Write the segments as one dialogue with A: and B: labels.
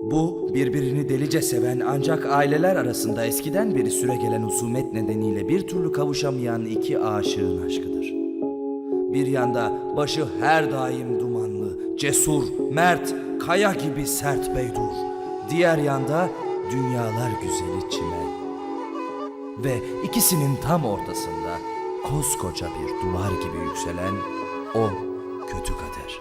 A: Bu birbirini delice seven ancak aileler arasında eskiden beri süregelen husumet nedeniyle bir türlü kavuşamayan iki aşığın aşkıdır. Bir yanda başı her daim dumanlı, cesur, mert, kaya gibi sert Beydur. Diğer yanda dünyalar güzeli Çimen. Ve ikisinin tam ortasında koskoca bir duvar gibi yükselen o kötü kader.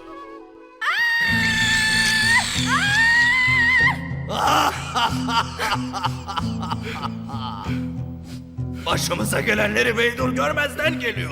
B: Başımıza gelenleri Beydur görmezden geliyor.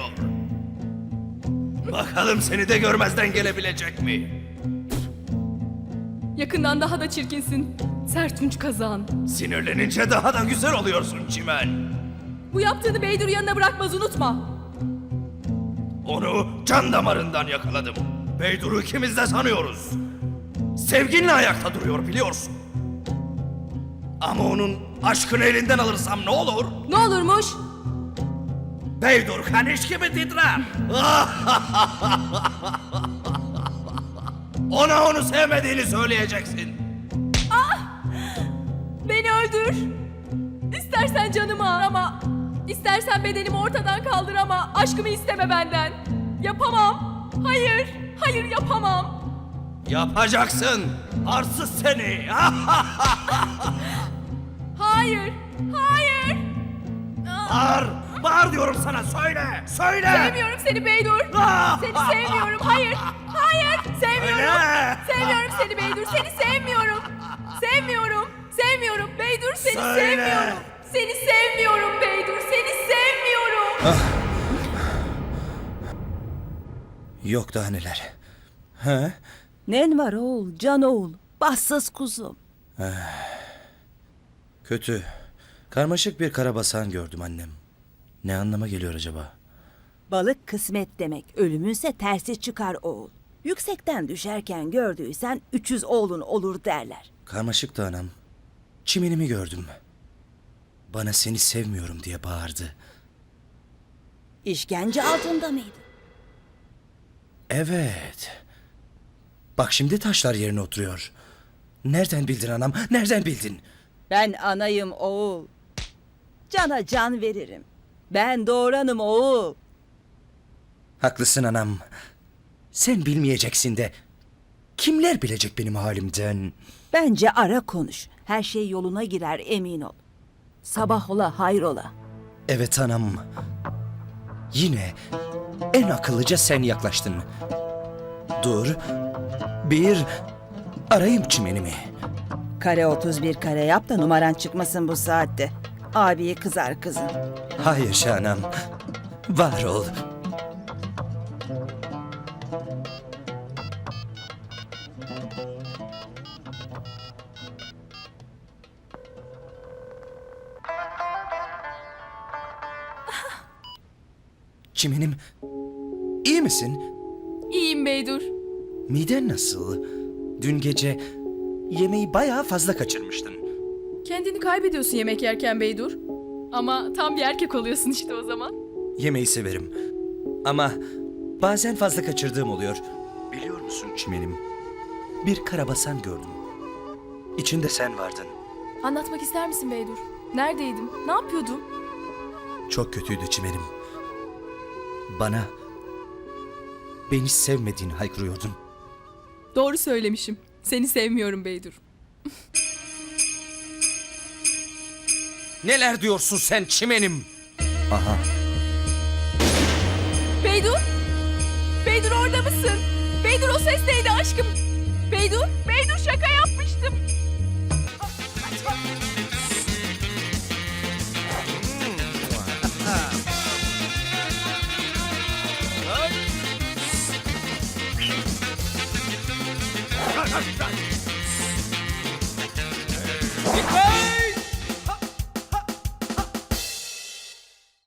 B: Bakalım seni de görmezden gelebilecek mi?
C: Yakından daha da çirkinsin. Sertunç kazan.
B: Sinirlenince daha da güzel oluyorsun Çimen.
C: Bu yaptığını Beydur yanına bırakmaz, unutma.
B: Onu can damarından yakaladım. Beydur'u ikimiz de sanıyoruz. Sevginle ayakta duruyor biliyorsun. Ama onun aşkını elinden alırsam ne olur?
C: Ne olurmuş?
B: Beydur kaniş gibi titrer. Ona onu sevmediğini söyleyeceksin.
C: Beni öldür. İstersen canımı al ama istersen bedenimi ortadan kaldır ama aşkımı isteme benden. Yapamam. Hayır. Hayır yapamam.
B: Yapacaksın. Arsız seni.
C: Hayır. Hayır.
B: Bağır. Bağır diyorum sana. Söyle. Söyle.
C: Sevmiyorum seni Beydur. Seni sevmiyorum. Hayır. Hayır. Sevmiyorum.
B: Söyle.
C: Sevmiyorum seni Beydur. Seni sevmiyorum. Sevmiyorum. Sevmiyorum Beydur. Seni
B: Söyle.
C: sevmiyorum. Seni sevmiyorum Beydur. Seni sevmiyorum.
A: Yok daha neler. Ha?
D: Nen var oğul, can oğul, bassız kuzum.
A: Kötü. Karmaşık bir karabasan gördüm annem. Ne anlama geliyor acaba?
D: Balık kısmet demek, ölümünse tersi çıkar oğul. Yüksekten düşerken gördüysen 300 oğlun olur derler.
A: Karmaşık da anam. Çimenimi gördüm. Bana seni sevmiyorum diye bağırdı.
D: İşkence altında mıydı?
A: Evet. Bak şimdi taşlar yerine oturuyor. Nereden bildin anam? Nereden bildin?
D: Ben anayım oğul. Cana can veririm. Ben doğuranım oğul.
A: Haklısın anam. Sen bilmeyeceksin de kimler bilecek benim halimden?
D: Bence ara konuş. Her şey yoluna girer emin ol. Sabah ola hayrola.
A: Evet anam. Yine en akıllıca sen yaklaştın. Dur. Bir arayayım çimenimi.
D: Kare 31 kare yap da numaran çıkmasın bu saatte. Abiye kızar kızım.
A: Hayır Şahanam. Var ol. Çimenim, iyi misin?
C: İyiyim Beydur.
A: Miden nasıl? Dün gece yemeği bayağı fazla kaçırmıştın.
C: Kendini kaybediyorsun yemek yerken Beydur. Ama tam bir erkek oluyorsun işte o zaman.
A: Yemeği severim. Ama bazen fazla kaçırdığım oluyor. Biliyor musun çimenim? Bir karabasan gördüm. İçinde sen vardın.
C: Anlatmak ister misin Beydur? Neredeydim? Ne yapıyordum?
A: Çok kötüydü çimenim. Bana beni sevmediğini haykırıyordun.
C: Doğru söylemişim. Seni sevmiyorum Beydur.
A: Neler diyorsun sen çimenim? Aha.
C: Beydur? Beydur orada mısın? Beydur o ses neydi aşkım? Beydur? Beydur şaka yapmıştım.